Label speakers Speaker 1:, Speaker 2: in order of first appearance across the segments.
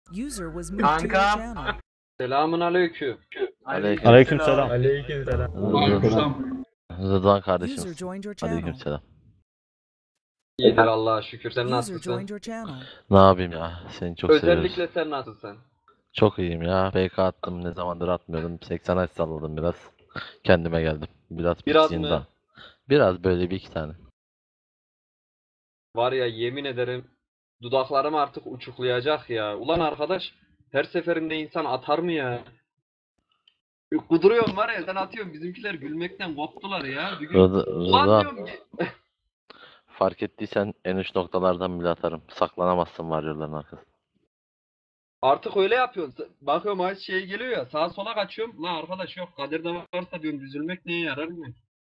Speaker 1: User was moved to your
Speaker 2: Kanka.
Speaker 1: channel.
Speaker 3: Selamun aleyküm.
Speaker 4: Aleykümselam.
Speaker 5: Aleykümselam.
Speaker 4: Rıdvan kardeşim.
Speaker 1: User joined your channel.
Speaker 4: Aleykümselam.
Speaker 3: İyidir Allah'a şükür. Sen
Speaker 1: User
Speaker 3: nasılsın?
Speaker 1: joined your channel.
Speaker 4: Ne yapayım ya? Seni çok seviyoruz.
Speaker 3: Özellikle sen nasılsın?
Speaker 4: Çok iyiyim ya. PK attım. Ne zamandır atmıyordum. 80 aç salladım biraz. Kendime geldim. Biraz
Speaker 3: Biraz mı?
Speaker 4: daha. Biraz böyle bir iki tane.
Speaker 3: Var ya yemin ederim dudaklarım artık uçuklayacak ya. Ulan arkadaş her seferinde insan atar mı ya? Kuduruyorum var ya sen atıyorsun bizimkiler gülmekten koptular ya. Bir gün ulan
Speaker 4: Rıdvan,
Speaker 3: diyorum ki
Speaker 4: fark ettiysen en uç noktalardan bile atarım. Saklanamazsın var yolların arkasında.
Speaker 3: artık öyle yapıyorsun. Bakıyorum ay şey geliyor ya sağa sola kaçıyorum. Lan arkadaş yok kaderde varsa diyorum üzülmek neye yarar mı?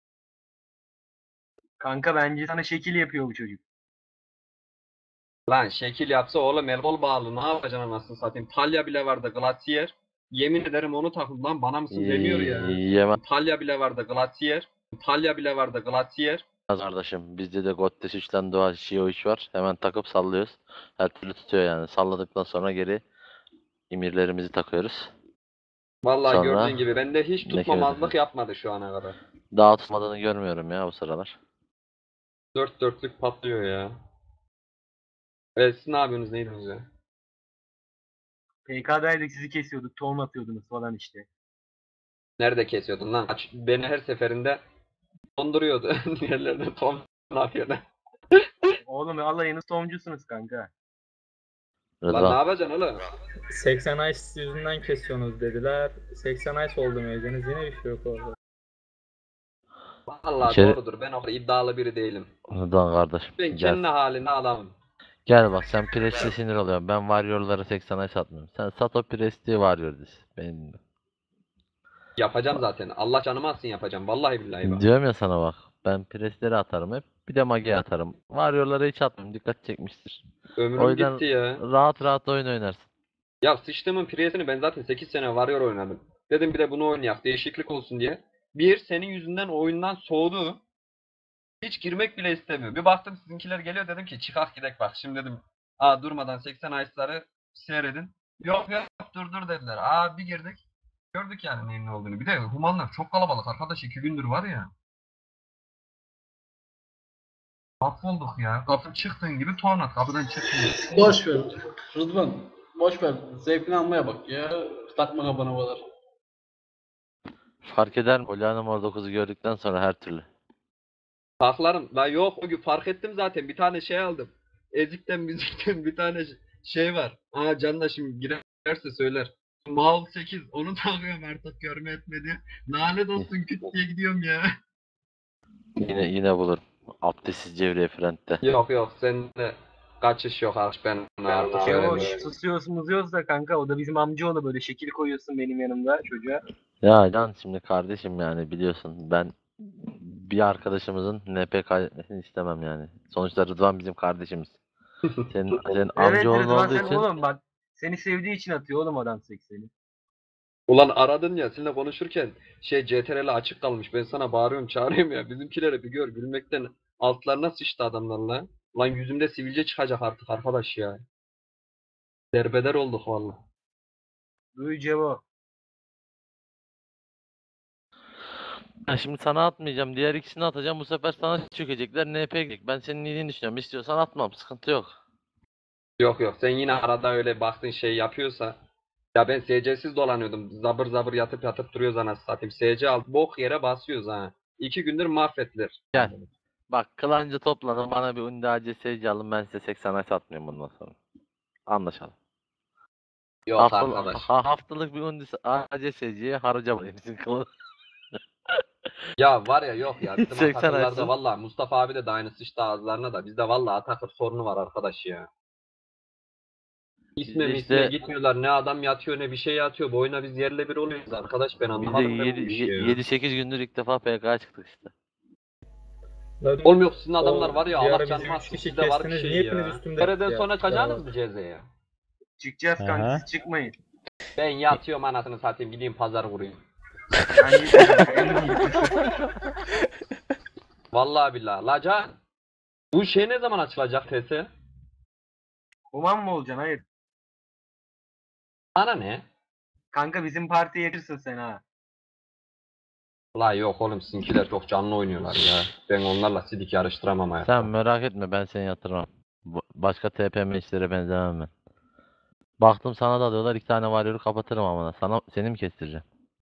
Speaker 2: Kanka bence sana şekil yapıyor bu çocuk.
Speaker 3: Lan şekil yapsa oğlum el kol bağlı ne yapacaksın anasını satayım. Talya bile vardı Glacier. Yemin ederim onu takım lan bana mısın demiyor ya.
Speaker 4: Yemez
Speaker 3: Talya bile vardı Glacier. Talya bile vardı Glacier.
Speaker 4: kardeşim. Bizde de Goddes 3'ten Doğa Shio 3 var. Hemen takıp sallıyoruz. Her türlü tutuyor yani. Salladıktan sonra geri imirlerimizi takıyoruz.
Speaker 3: Vallahi
Speaker 4: Sonra
Speaker 3: gördüğün gibi bende hiç
Speaker 4: ne
Speaker 3: tutmamazlık
Speaker 4: kere-
Speaker 3: yapmadı şu ana kadar.
Speaker 4: Daha tutmadığını görmüyorum ya bu sıralar.
Speaker 3: Dört dörtlük patlıyor ya. Evet siz ne yapıyorsunuz neydiniz ya?
Speaker 2: PK'daydık sizi kesiyorduk. Tohum atıyordunuz falan işte.
Speaker 3: Nerede kesiyordun lan? Beni her seferinde donduruyordu. Yerlerde ton yapıyordu.
Speaker 2: Oğlum alayınız tohumcusunuz kanka.
Speaker 3: Lan ne
Speaker 4: Rıdvan.
Speaker 3: yapacaksın oğlum?
Speaker 5: 80 Ice yüzünden kesiyorsunuz dediler. 80 Ice oldu meyveniz yine bir şey yok orada.
Speaker 3: Vallahi
Speaker 4: İçeri-
Speaker 3: doğrudur ben o kadar iddialı biri değilim.
Speaker 4: Rıdvan kardeşim.
Speaker 3: Ben kendi halinde adamım.
Speaker 4: Gel bak sen Prest'e sinir oluyorsun. Ben Warrior'lara 80'e satmıyorum. Sen sat o Prest'i Warrior diz. Benim.
Speaker 3: Yapacağım zaten. Allah canımı alsın yapacağım. Vallahi billahi bak.
Speaker 4: Diyorum ya sana bak. Ben Prest'leri atarım hep. Bir de Mage atarım. Warrior'lara hiç atmam. Dikkat çekmiştir.
Speaker 3: Ömrüm
Speaker 4: O yüzden
Speaker 3: gitti ya.
Speaker 4: rahat rahat oyun oynarsın.
Speaker 3: Ya sıçtığımın priyesini ben zaten 8 sene Warrior oynadım. Dedim bir de bunu oynayak değişiklik olsun diye. Bir senin yüzünden oyundan soğudu. Hiç girmek bile istemiyor. Bir baktım sizinkiler geliyor dedim ki çıkak gidek bak. Şimdi dedim durmadan 80 Ice'ları seyredin. Yok yok dur dediler. Bir girdik. Gördük yani neyin ne olduğunu. Bir de humanlar çok kalabalık arkadaş 2 gündür var ya. Mahvolduk ya. Kapı çıktığın gibi tornat kapıdan çıktın.
Speaker 6: Boş ver. Rıdvan. Boş ver. Zevkini almaya bak ya. Takma kafana kadar.
Speaker 4: Fark eder mi? Polyana Mor 9'u gördükten sonra her türlü.
Speaker 3: Saklarım. La yok o gün fark ettim zaten. Bir tane şey aldım. Ezik'ten müzikten bir tane şey var. Can da şimdi girerse söyler. Mal 8 onu takıyorum artık görme etmedi. Lanet olsun küt diye gidiyorum ya.
Speaker 4: Yine bulurum. Abdestsiz Cevriye Frent'te.
Speaker 3: Yok sende kaçış yok artık ben artık
Speaker 2: Kevoş
Speaker 3: öyle.
Speaker 2: susuyoruz muzuyoruz da kanka o da bizim amcaoğlu böyle şekil koyuyorsun benim yanımda çocuğa.
Speaker 4: Ya Can şimdi kardeşim yani biliyorsun ben bir arkadaşımızın NP kaydetmesini istemem yani. Sonuçta Rıdvan bizim kardeşimiz. Senin
Speaker 2: Evet
Speaker 4: amcaoğlun
Speaker 2: Rıdvan
Speaker 4: olduğu
Speaker 2: sen
Speaker 4: için
Speaker 2: oğlum bak seni sevdiği için atıyor oğlum adam 80'i.
Speaker 3: Ulan aradın ya seninle konuşurken CTRL açık kalmış. Ben sana bağırıyorum çağırıyorum ya. Bizimkileri bir gör gülmekten altlarına sıçtı adamlarla. Ulan yüzümde sivilce çıkacak artık arkadaş ya. Derbeder olduk vallahi.
Speaker 2: Duy Cevo.
Speaker 4: ben şimdi sana atmayacağım. Diğer ikisini atacağım. Bu sefer sana çökecekler. NP gidecek. Ben senin iyiliğini düşünüyorum. İstiyorsan atmam. Sıkıntı yok.
Speaker 3: Yok sen yine arada öyle baktın şey yapıyorsa. Ya ben SC'siz dolanıyordum. Zabır zabır yatıp duruyoruz anasını satayım. SC alt bok yere basıyoruz ha. 2 gündür mahvettiler.
Speaker 4: Gel. Bak kılanca toplanın. Bana bir Undi ACS'ci alın. Ben size 80 ay satmıyorum bundan sonra. Anlaşalım.
Speaker 3: Yok arkadaş.
Speaker 4: Haftalık bir Undi ACS'ciye harcamayın. Bizim kılan.
Speaker 3: Ya var ya yok ya. Bizim
Speaker 4: 80
Speaker 3: Atakırlarda
Speaker 4: açsın.
Speaker 3: valla Mustafa abi de aynı sıçtı ağızlarına da. Bizde valla Atakır sorunu var arkadaş ya. İsme
Speaker 4: Bizde
Speaker 3: misme
Speaker 4: işte-
Speaker 3: gitmiyorlar. Ne adam yatıyor ne bir şey yatıyor. Bu oyuna biz yerle bir oluyoruz arkadaş. Ben
Speaker 4: Biz de
Speaker 3: anlamadım ben bu işi ya.
Speaker 4: 7-8 gündür ilk defa PK'ya çıktık işte.
Speaker 3: Oğlum yok sizin adamlar var ya
Speaker 5: Bir ara
Speaker 3: Allah
Speaker 5: bizi
Speaker 3: canım
Speaker 5: üç
Speaker 3: alsın
Speaker 5: kişi
Speaker 3: sizde var bir
Speaker 5: kestiniz,
Speaker 3: şey
Speaker 5: niye hepiniz
Speaker 3: ya.
Speaker 5: üstümde
Speaker 3: Nereden
Speaker 5: ya?
Speaker 3: sonra çıkacaksınız
Speaker 5: Ya.
Speaker 3: mı cezeye?
Speaker 2: Çıkacağız kanka
Speaker 4: Aha.
Speaker 2: siz çıkmayın.
Speaker 3: Ben yatıyorum anasını satayım gideyim pazar vurayım. Vallahi billahi. La Can. Bu şey ne zaman açılacak TS?
Speaker 2: Human mı olacaksın hayır.
Speaker 3: Bana ne?
Speaker 2: Kanka bizim partiye yetirsin sen ha.
Speaker 3: Ulan yok oğlum sizinkiler çok canlı oynuyorlar ya. Ben onlarla sidik yarıştıramam hayatta.
Speaker 4: Sen merak etme, ben seni yatırmam. Başka TPM işlere benzemem ben. Baktım sana da diyorlar, 2 tane varyoru kapatırım ama seni mi kestireceğim?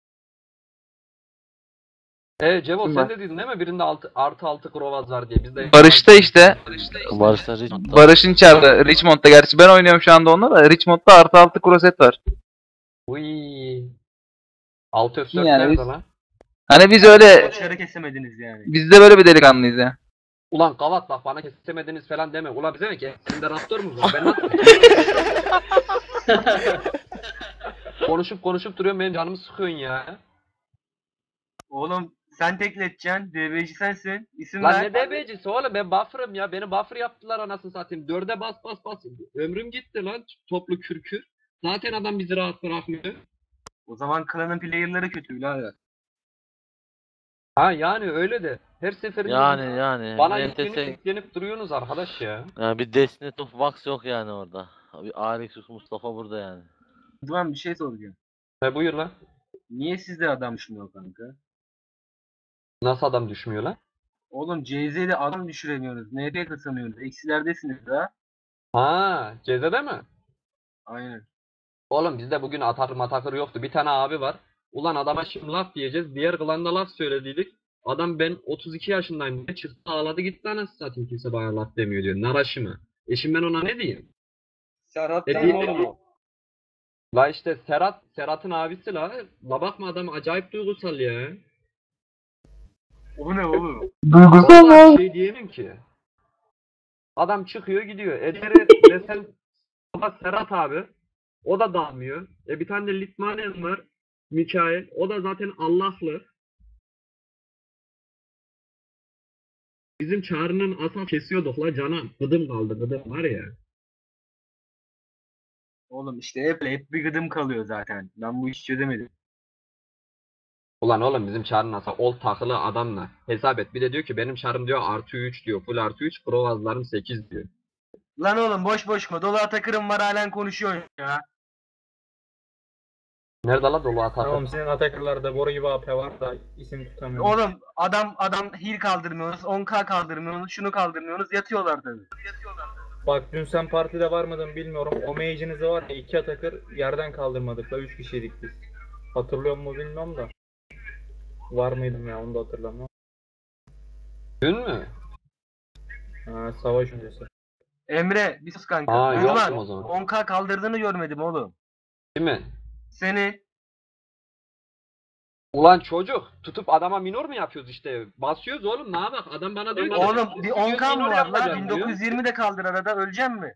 Speaker 3: Cevo sen de dedin değil mi? Birinde artı 6 Grovaz var diye. Bizde
Speaker 1: Barış'ta işte.
Speaker 4: Barış'ta Richmond'da.
Speaker 1: Barış'ın içeride. Richmond'da. Gerçi ben oynuyorum şu anda onunla da. Richmond'da artı 6 kroset var.
Speaker 3: Uy. 6 F4
Speaker 1: Yani
Speaker 3: nerede
Speaker 1: biz-
Speaker 3: lan?
Speaker 1: Hani biz öyle.
Speaker 2: Dışarı kesemediniz yani.
Speaker 1: Biz de böyle bir delikanlıyız ya.
Speaker 3: Ulan Gavat bak bana kesemediniz falan deme. Ulan bize mi ki? Sende Raptor mu var? Ben nasıl? konuşup duruyorum benim canımı sıkıyorsun ya.
Speaker 2: Oğlum sen tekleteceksin. DB'ci sensin. İsim
Speaker 3: Lan
Speaker 2: ver.
Speaker 3: ne DB'cisi oğlum ben buffer'ım ya. Beni buffer yaptılar anasını satayım. 4'e bas. Ömrüm gitti lan toplu kürkür. Zaten adam bizi rahat bırakmıyor.
Speaker 2: O zaman klanın player'ları kötü birader.
Speaker 3: Ha yani öyle de. Her seferinde
Speaker 4: Yani
Speaker 3: bana
Speaker 4: NTS
Speaker 3: yüklenip duruyorsunuz arkadaş ya.
Speaker 4: yani bir Destiny of Wax yok yani orada. Bir Alex Mustafa burada yani.
Speaker 2: Rıdvan bir şey soracağım.
Speaker 3: Buyur lan.
Speaker 2: Niye sizde adam düşünüyor kanka?
Speaker 3: Nasıl adam düşmüyor lan?
Speaker 2: Oğlum CZ'de adam düşüremiyoruz. NP kazanıyoruz. Eksilerdesiniz ha.
Speaker 3: Ha, Ceze'de mi?
Speaker 2: Aynen.
Speaker 3: Oğlum bizde bugün matakır yoktu. Bir tane abi var. Ulan adama şimdi laf diyeceğiz. Diğer klanda laf söylediydik. Adam ben 32 yaşındayım diye çıktı ağladı gitti anasını satayım kimse bana laf demiyor diyor. Naraşı mı? Şimdi ben ona ne diyeyim?
Speaker 2: Serhat
Speaker 3: Değil
Speaker 2: benim
Speaker 3: mi?
Speaker 2: oğlum o.
Speaker 3: La işte Serhat'ın abisi la. La bakma adam acayip duygusal ya.
Speaker 2: O ne oğlum?
Speaker 3: Vallahi bir şey diyemem ki. Adam çıkıyor gidiyor. Ederi desen baba Serhat abi. O da dalmıyor. Bir tane de Litmanen var. Mikael. O da zaten Allah'lı. Bizim Çağrı'nın asal kesiyorduk la canım. Gıdım kaldı gıdım var ya.
Speaker 2: Oğlum işte hep bir gıdım kalıyor zaten. Ben bu işi çözemedim.
Speaker 3: Ulan oğlum bizim Çağrı'nın asal old takılı adamla. Hesap et. Bir de diyor ki benim Çağrım diyor artı 3 diyor. Full artı 3. Provazlarım 8 diyor.
Speaker 2: Lan oğlum boş mı? Dolu Atakır'ım var halen konuşuyorsun ya.
Speaker 3: Nerede la dolu atak?
Speaker 5: Tamam senin Atakır'larda boru gibi AP var da isim tutamıyorum.
Speaker 2: Oğlum adam heal kaldırmıyorsunuz, 10k kaldırmıyorsunuz, şunu kaldırmıyorsunuz, yatıyorlar tabii.
Speaker 5: Bak dün sen partide var mıydın bilmiyorum. O mage'inizi var ya 2 Atakır yerden kaldırmadık da 3 kişiydik biz. Hatırlıyor mu bilmiyorum da. Var mıydım ya onu da hatırlamıyorum.
Speaker 3: Dün mü?
Speaker 5: Ha, savaş öncesi.
Speaker 2: Emre bir sus kanka.
Speaker 3: Aa,
Speaker 2: Rıdvan,
Speaker 3: yoktum o zaman.
Speaker 2: 10k kaldırdığını görmedim oğlum.
Speaker 3: Değil mi?
Speaker 2: Seni
Speaker 3: Ulan çocuk tutup adama minor mu yapıyoruz işte? Basıyoruz oğlum ne bak adam bana diyor ki
Speaker 2: oğlum bir 10k mı
Speaker 3: minor
Speaker 2: var lan?
Speaker 3: yapacağım diyor.
Speaker 2: 1920 de kaldır arada öleceğim mi?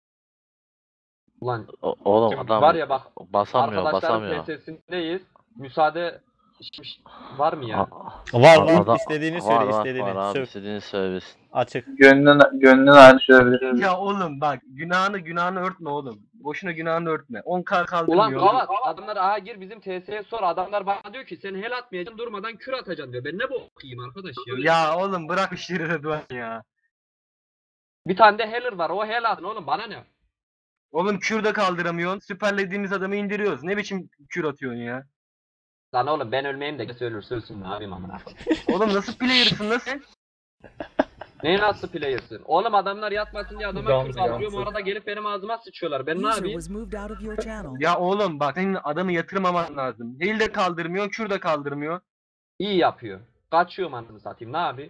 Speaker 3: Ulan
Speaker 4: Oğlum
Speaker 3: şimdi
Speaker 4: adam
Speaker 3: var ya bak
Speaker 4: basamıyor.
Speaker 3: arkadaşların PS'sindeyiz. Müsaade var mı ya?
Speaker 7: Var istediğini söyle
Speaker 4: var
Speaker 7: istediğini.
Speaker 4: abi,
Speaker 7: Söv.
Speaker 4: istediğini söylesin.
Speaker 7: Açık.
Speaker 1: Gönlün hali söyleyebilir.
Speaker 2: Ya oğlum bak günahını örtme oğlum. Boşuna günahını örtme. 10k
Speaker 3: Ulan
Speaker 2: kaldırmıyor.
Speaker 3: Gavat adamlar aha gir bizim TS'ye sor adamlar bana diyor ki sen hel atmayacaksın durmadan kür atacaksın diyor. Ben ne bokuyum arkadaş ya.
Speaker 2: Ya oğlum bırak işleri Rıdvan ya.
Speaker 3: Bir tane de healer var o hel atın oğlum bana ne?
Speaker 2: Oğlum kür de kaldıramıyorsun. Süperlediğimiz adamı indiriyoruz. Ne biçim kür atıyorsun ya?
Speaker 3: Lan oğlum ben ölmeyeyim de ölürse ölsün ne yapayım amına.
Speaker 2: Oğlum nasıl player'sın lan sen?
Speaker 3: Ne nasıl player'sın? Oğlum adamlar yatmasın diye adama
Speaker 5: Gamze,
Speaker 3: kür kaldırıyorum
Speaker 5: Gamze.
Speaker 3: arada gelip benim ağzıma sıçıyorlar. Ben ne
Speaker 8: User
Speaker 3: yapayım?
Speaker 8: was moved out of your channel.
Speaker 2: Ya oğlum bak senin adamı yatırmaman lazım. Heal de kaldırmıyor, kür de kaldırmıyor.
Speaker 3: İyi yapıyor. Kaçıyorum anasını satayım ne yapayım?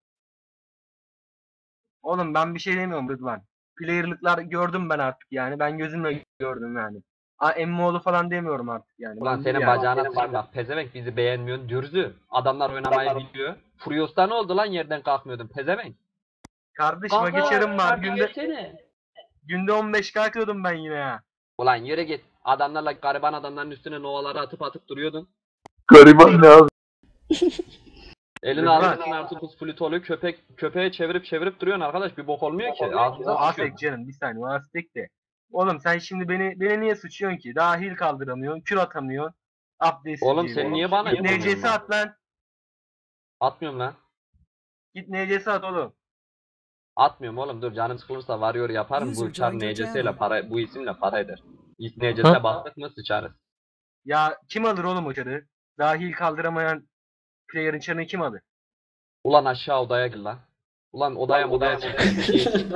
Speaker 2: Oğlum ben bir şey demiyorum Rıdvan. Player'lıklar gördüm ben artık yani. Ben gözümle gördüm yani. Emmoğlu falan demiyorum artık yani.
Speaker 3: Ulan
Speaker 2: Ben
Speaker 3: senin
Speaker 2: yani.
Speaker 3: bacağına sıçayım bak pezevenk bizi beğenmiyorsun dürzü. Adamlar oynamayı biliyor. Furios'ta ne oldu lan yerden kalkmıyordun pezevenk?
Speaker 2: Kardeşime
Speaker 3: Kanka,
Speaker 2: geçerim var.
Speaker 3: kanka
Speaker 2: Günde
Speaker 3: geçsene.
Speaker 2: 15 kalkıyordum ben yine ya.
Speaker 3: Ulan yürü git. Adamlarla gariban adamların üstüne novaları atıp duruyordun.
Speaker 1: Gariban ne abi?
Speaker 3: Elini
Speaker 2: Rıdvan.
Speaker 3: almışsın artık pus flütolü köpeğe çevirip duruyorsun arkadaş bir bok olmuyor ki.
Speaker 2: O
Speaker 3: Ağzınıza sıçıyor.
Speaker 2: Aztek canım bir saniye o Aztek de. Oğlum sen şimdi beni niye suçuyorsun ki? Daha heal kaldıramıyorsun, kür atamıyorsun. Abdest
Speaker 3: Oğlum sen niye bana
Speaker 2: Git
Speaker 3: yapıyorsun
Speaker 2: NC'si
Speaker 3: lan?
Speaker 2: at lan.
Speaker 3: Atmıyorum lan.
Speaker 2: Git NC'si at oğlum.
Speaker 3: Atmıyorum oğlum dur canım sıkılırsa varıyor yaparım
Speaker 8: User
Speaker 3: bu çar
Speaker 8: joined your
Speaker 3: NCS ile
Speaker 8: channel.
Speaker 3: para bu isimle para eder. İlk necese bastık mı sıçarız.
Speaker 2: Ya kim alır oğlum o çarı? Dahil kaldıramayan player'ın çarını kim alır?
Speaker 3: Ulan aşağı odaya gir lan. Ulan odaya çık.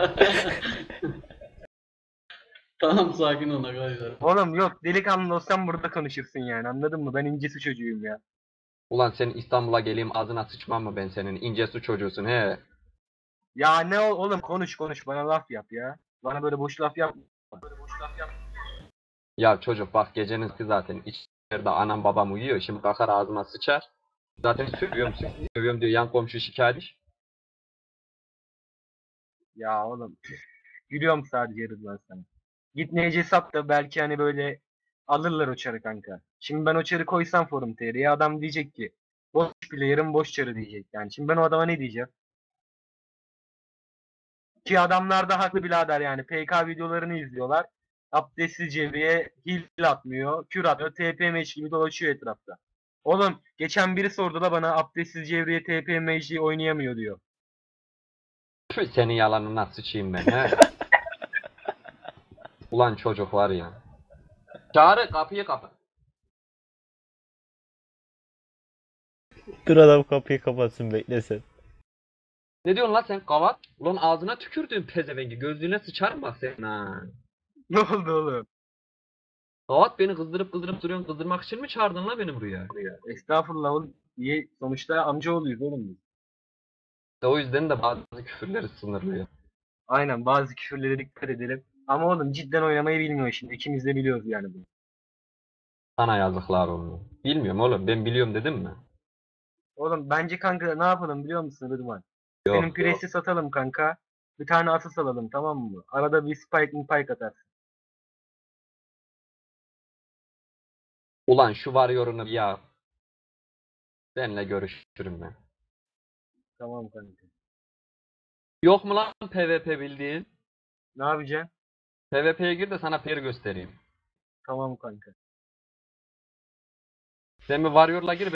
Speaker 6: Tamam sakin olun arkadaşlar.
Speaker 2: Oğlum yok, delikanlı olsan burada konuşursun yani, anladın mı? Ben incisi çocuğuyum ya.
Speaker 3: Ulan senin İstanbul'a geleyim ağzına sıçmam mı ben senin? İnce su çocuğusun he.
Speaker 2: Ya ne oğlum, konuş bana laf yap ya. Bana böyle boş laf yap.
Speaker 3: Ya çocuk bak gecenin ki zaten içeride anam babam uyuyor. Şimdi bakar ağzıma sıçar. Zaten sövüyorum diyor yan komşu şikayet.
Speaker 2: Ya oğlum gülüyorum sadece Rıdvan sana. Git NC sat da belki hani böyle alırlar o çarı kanka. Şimdi ben o çarı koysam forum TR'ye, adam diyecek ki boş player'ın boş çarı diyecek yani. Şimdi ben o adama ne diyeceğim? Ki adamlar da haklı birader yani. PK videolarını izliyorlar. Abdestsiz Cevriye heal atmıyor, kür atmıyor, TP match gibi dolaşıyor etrafta. Oğlum geçen biri sordu da bana, abdestsiz Cevriye TP match'i oynayamıyor diyor.
Speaker 3: Tüh, senin yalanına sıçayım ben he. Ulan çocuk var ya. Çağrı kapıyı kapat.
Speaker 7: Dur adam kapıyı kapatsın beklesin.
Speaker 3: Ne diyorsun lan sen kavat? Ulan ağzına tükürdüğün pezevengi gözlüğüne sıçarım bak senin ha.
Speaker 2: Ne oldu oğlum?
Speaker 3: Kavat beni kızdırıp duruyorsun. Kızdırmak için mi çağırdın lan beni buraya?
Speaker 2: Estağfurullah oğlum. Niye? Sonuçta amcaoğluyuz oğlum biz.
Speaker 3: İşte o yüzden de bazı küfürleri sınırlıyor.
Speaker 2: Aynen, bazı küfürlere dikkat edelim. Ama oğlum cidden oynamayı bilmiyor şimdi. İkimiz de biliyoruz yani bunu.
Speaker 3: Sana yazıklar olsun. Bilmiyorum oğlum ben biliyorum dedim mi?
Speaker 2: Oğlum bence kanka ne yapalım biliyor musun Rıdvan?
Speaker 3: Yok.
Speaker 2: Senin presi satalım kanka. Bir tane asıl alalım, tamam mı? Arada bir spike atarsın.
Speaker 3: Ulan şu var yorunu ya. Seninle görüşürüm ben.
Speaker 2: Tamam kanka.
Speaker 3: Yok mu lan PvP bildiğin?
Speaker 2: Ne yapacaksın?
Speaker 3: PvP'ye gir de sana peri göstereyim.
Speaker 2: Tamam kanka.
Speaker 3: Sen bir Warrior'la gir